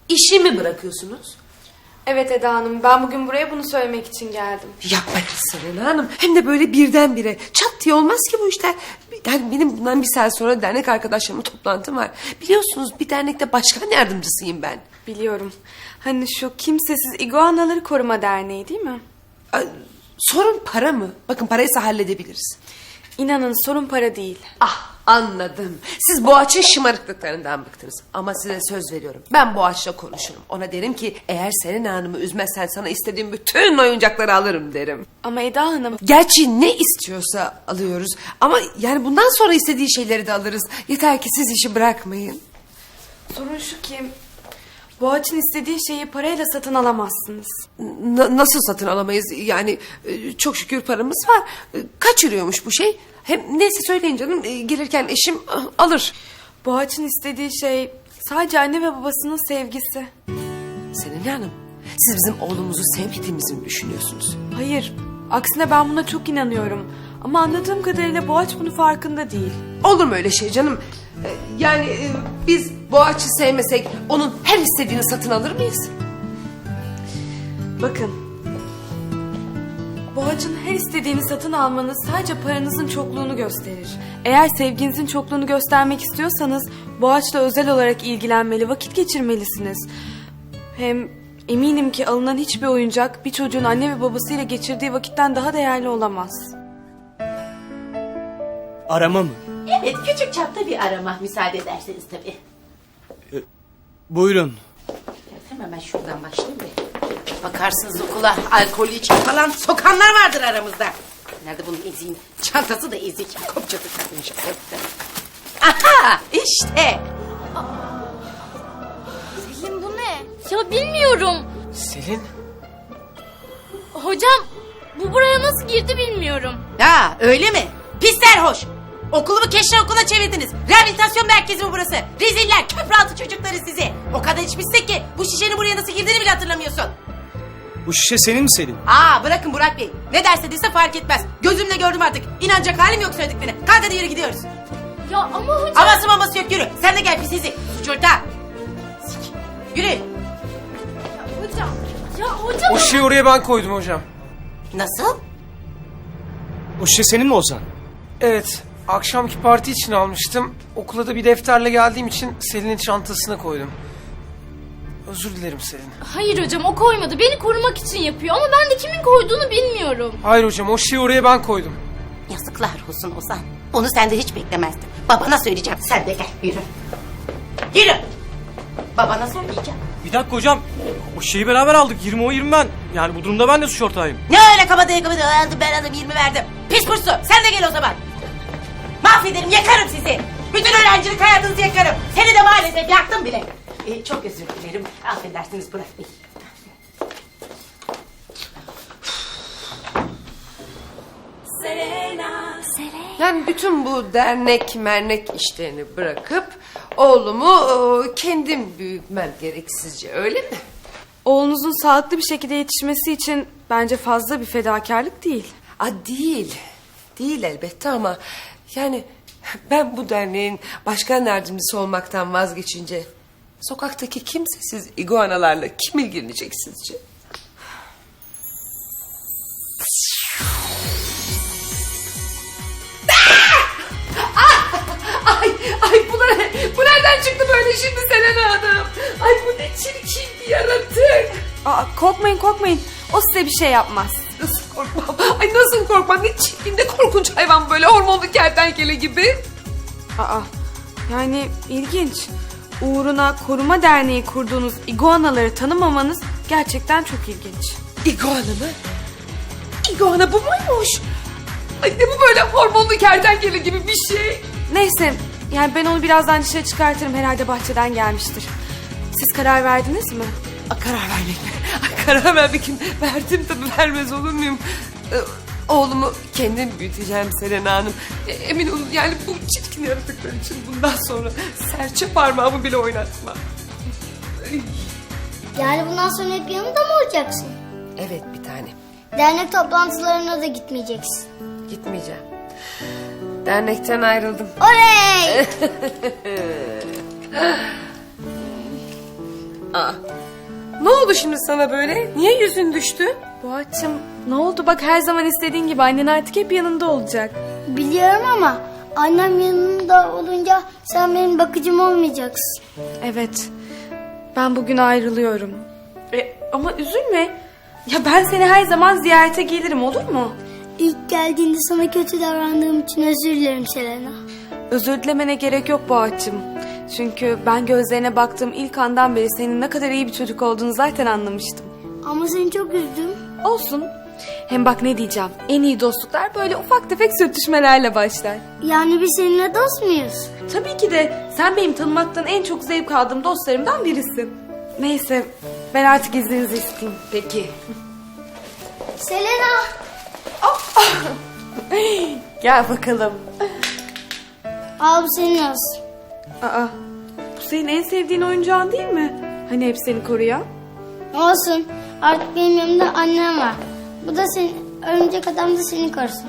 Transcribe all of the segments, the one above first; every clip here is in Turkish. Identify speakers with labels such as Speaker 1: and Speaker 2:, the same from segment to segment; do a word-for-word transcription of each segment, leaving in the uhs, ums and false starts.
Speaker 1: İşi mi bırakıyorsunuz?
Speaker 2: Evet Eda Hanım, ben bugün buraya bunu söylemek için geldim.
Speaker 1: Yapmayın Selena Hanım. Hem de böyle birdenbire. Çat diye olmaz ki bu işler. Yani benim bundan bir saat sonra dernek arkadaşlarımla toplantım var. Biliyorsunuz bir dernekte başkan yardımcısıyım ben.
Speaker 2: Biliyorum. Hani şu Kimsesiz İguanaları Koruma Derneği değil mi?
Speaker 1: Ay, sorun para mı? Bakın paraysa halledebiliriz.
Speaker 2: İnanın sorun para değil.
Speaker 1: Ah anladım. Siz Boğaç'ın şımarıklıklarından bıktınız. Ama size söz veriyorum. Ben Boğaç'la konuşurum. Ona derim ki eğer Selena Hanım'ı üzmezsen sana istediğim bütün oyuncakları alırım derim.
Speaker 2: Ama Eda Hanım...
Speaker 1: Gerçi ne istiyorsa alıyoruz. Ama yani bundan sonra istediği şeyleri de alırız. Yeter ki siz işi bırakmayın.
Speaker 2: Sorun şu ki... Boğaç'ın istediği şeyi parayla satın alamazsınız.
Speaker 1: N- nasıl satın alamayız? Yani e, çok şükür paramız var. E, kaç yürüyormuş bu şey? Hem neyse söyleyin canım. E, gelirken eşim ah, alır.
Speaker 2: Boğaç'ın istediği şey sadece anne ve babasının sevgisi.
Speaker 1: Selena Hanım, siz bizim oğlumuzu sevmediğimizi mi düşünüyorsunuz?
Speaker 2: Hayır, aksine ben buna çok inanıyorum. Ama anladığım kadarıyla Boğaç bunun farkında değil.
Speaker 1: Olur mu öyle şey canım? E, yani e, biz Boğaç'ı sevmesek onun her istediğini satın alır mıyız?
Speaker 2: Bakın. Boğaç'ın her istediğini satın almanız sadece paranızın çokluğunu gösterir. Eğer sevginizin çokluğunu göstermek istiyorsanız Boğaç'la özel olarak ilgilenmeli, vakit geçirmelisiniz. Hem eminim ki alınan hiçbir oyuncak bir çocuğun anne ve babasıyla geçirdiği vakitten daha değerli olamaz.
Speaker 3: Arama mı?
Speaker 4: Evet, küçük çapta bir arama müsaade ederseniz tabii.
Speaker 3: E, buyurun.
Speaker 4: Hemen ben şuradan başlayayım bir. Bakarsınız okula alkol içen falan sokanlar vardır aramızda. Nerede bunun eziğin? Çantası da ezik. Kopçası takmış. Aha işte.
Speaker 5: Selin bu ne? Ya bilmiyorum.
Speaker 3: Selin?
Speaker 5: Hocam bu buraya nasıl girdi bilmiyorum.
Speaker 4: Ya öyle mi? Pis serhoş. Okulumu keşke okula çevirdiniz. Rehabilitasyon merkezi mi burası? Reziller, köprü altı çocukları sizi. O kadar içmişsin ki bu şişenin buraya nasıl girdiğini bile hatırlamıyorsun.
Speaker 3: Bu şişe senin mi Selin?
Speaker 4: Aa bırakın Burak Bey. Ne derse dese fark etmez. Gözümle gördüm artık. İnanacak halim yok söylediklerine. Kalk hadi yürü gidiyoruz.
Speaker 5: Ya ama hocam.
Speaker 4: Aması maması yok yürü. Sen de gel pis izi. Suç ortağı. Sik. Yürü.
Speaker 5: Ya hocam. Ya hocam.
Speaker 3: O şişeyi oraya ben koydum hocam.
Speaker 4: Nasıl?
Speaker 3: O şişe senin mi Ozan? Evet. Akşamki parti için almıştım. Okula da bir defterle geldiğim için Selin'in çantasına koydum. Özür dilerim Selin.
Speaker 5: Hayır hocam o koymadı. Beni korumak için yapıyor ama ben de kimin koyduğunu bilmiyorum.
Speaker 3: Hayır hocam o şişeyi oraya ben koydum.
Speaker 4: Yazıklar olsun Ozan. Onu senden hiç beklemezdim. Babana söyleyeceğim. Sen de gel yürü. Yürü. Babana söyleyeceğim.
Speaker 6: Bir dakika hocam. O şeyi beraber aldık. yirmi o yirmi ben. Yani bu durumda ben de suç ortağıyım.
Speaker 4: Ne öyle kabadaya kabadaya aldım ben aldım yirmi verdim. Pis kursu sen de gel o zaman. Mahvederim yakarım sizi. Bütün öğrencilik hayatınızı yakarım. Seni de maalesef yaktım bile. Ee, çok özür dilerim. Affedersiniz Burak Bey.
Speaker 1: Yani bütün bu dernek mernek işlerini bırakıp oğlumu e, kendim büyütmem gerek sizce öyle mi?
Speaker 2: Oğlunuzun sağlıklı bir şekilde yetişmesi için bence fazla bir fedakarlık değil.
Speaker 1: Aa, değil. Değil elbette ama yani ben bu derneğin başkan yardımcısı olmaktan vazgeçince sokaktaki kimsesiz iguanalarla kim ilgilenecek sizce? Ay, ay bu, ne, bu nereden çıktı böyle şimdi Selena Hanım? Ay bu ne çirkin bir yaratık.
Speaker 2: Aa, korkmayın korkmayın. O size bir şey yapmaz.
Speaker 1: Nasıl korkmam? Ay nasıl korkmam? Ne çirkin ne korkunç hayvan böyle hormonlu kertenkele gibi.
Speaker 2: Aa, yani ilginç. Uğruna koruma derneği kurduğunuz iguanaları tanımamanız gerçekten çok ilginç.
Speaker 1: İguana mı? İguana bu muymuş? Ay ne bu böyle hormonlu kertenkele gibi bir şey?
Speaker 2: Neyse, yani ben onu birazdan dışarı çıkartırım. Herhalde bahçeden gelmiştir. Siz karar verdiniz mi?
Speaker 1: A, karar vermek mi? Ay, karar vermek kim? Verdim tabii vermez olur muyum? Ee, oğlumu kendim büyüteceğim Selena Hanım. E, emin olun yani bu çirkin yaratıklar için bundan sonra serçe parmağımı bile oynatmam.
Speaker 7: Yani bundan sonra hep yanında mı olacaksın?
Speaker 1: Evet bir tane.
Speaker 7: Dernek toplantılarına da gitmeyeceksin.
Speaker 1: Gitmeyeceğim. Dernekten ayrıldım.
Speaker 7: Oley!
Speaker 1: Aa, ne oldu şimdi sana böyle? Niye yüzün düştü?
Speaker 2: Boğaç'ım ne oldu bak her zaman istediğin gibi annen artık hep yanında olacak.
Speaker 7: Biliyorum ama annem yanımda olunca sen benim bakıcım olmayacaksın.
Speaker 2: Evet ben bugün ayrılıyorum. E, ama üzülme. Ya ben seni her zaman ziyarete gelirim olur mu?
Speaker 7: İlk geldiğinde sana kötü davrandığım için özür dilerim Selena.
Speaker 2: Özür dilemene gerek yok Boğaç'ım. Çünkü ben gözlerine baktığım ilk andan beri senin ne kadar iyi bir çocuk olduğunu zaten anlamıştım.
Speaker 7: Ama seni çok üzdüm.
Speaker 2: Olsun. Hem bak ne diyeceğim. En iyi dostluklar böyle ufak tefek sürtüşmelerle başlar.
Speaker 7: Yani biz seninle dost muyuz?
Speaker 2: Tabii ki de sen benim tanımaktan en çok zevk aldığım dostlarımdan birisin. Neyse ben artık izninizi isteyeyim.
Speaker 1: Peki.
Speaker 7: Selena!
Speaker 2: Gel bakalım.
Speaker 7: Al bu senin olsun.
Speaker 2: Aa, bu senin en sevdiğin oyuncağın değil mi? Hani hep seni koruyan?
Speaker 7: Olsun. Artık benim yanımda annem var. Bu da senin, örümcek adam da seni korusun.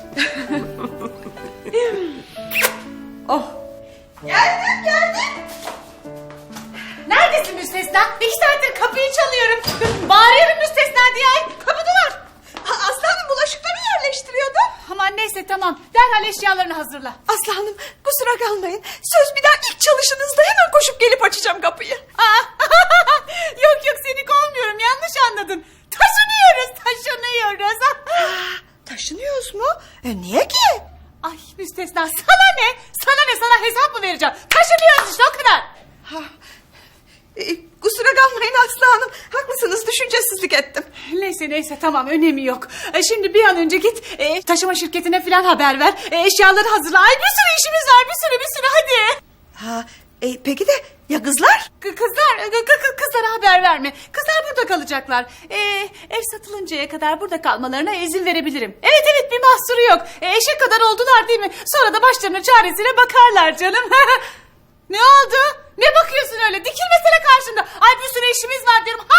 Speaker 2: Oh.
Speaker 4: Geldim geldim. Neredesin Müstesna? Bir saattir kapıyı çalıyorum. Bağırıyorum Müstesna diye. Ay, kapıdalar. Aslanım bulaşıkları yerleştiriyordu. Aman neyse tamam. Derhal eşyalarını hazırla.
Speaker 8: Aslanım kusura kalmayın. Söz bir daha ilk çalışınızda hemen koşup gelip açacağım kapıyı.
Speaker 4: Aa, yok yok seni kovmuyorum. Yanlış anladın. Taşınıyoruz taşınıyoruz.
Speaker 8: Taşınıyoruz mu? E, niye ki?
Speaker 4: Ay Müstesna sana ne? Sana ne sana hesap mı vereceğim? Taşınıyoruz işte o kadar.
Speaker 8: Ha, e, kusura kalmayın Aslı Hanım. Haklısınız düşüncesizlik ettim.
Speaker 4: Neyse neyse tamam önemi yok. E, şimdi bir an önce git e, taşıma şirketine falan haber ver. E, eşyaları hazırla. Ay bir sürü işimiz var bir sürü bir sürü hadi.
Speaker 8: Ha, e, peki de ya kızlar?
Speaker 4: K- Kızlar, k- k- kızlara haber verme. Kızlar burada kalacaklar. Ee, ev satılıncaya kadar burada kalmalarına izin verebilirim. Evet evet bir mahsuru yok. Ee, eşek kadar oldular değil mi? Sonra da başlarının çaresine bakarlar canım. Ne oldu? Ne bakıyorsun öyle? Dikilmesene karşımda. Ay bir sürü işimiz var diyorum.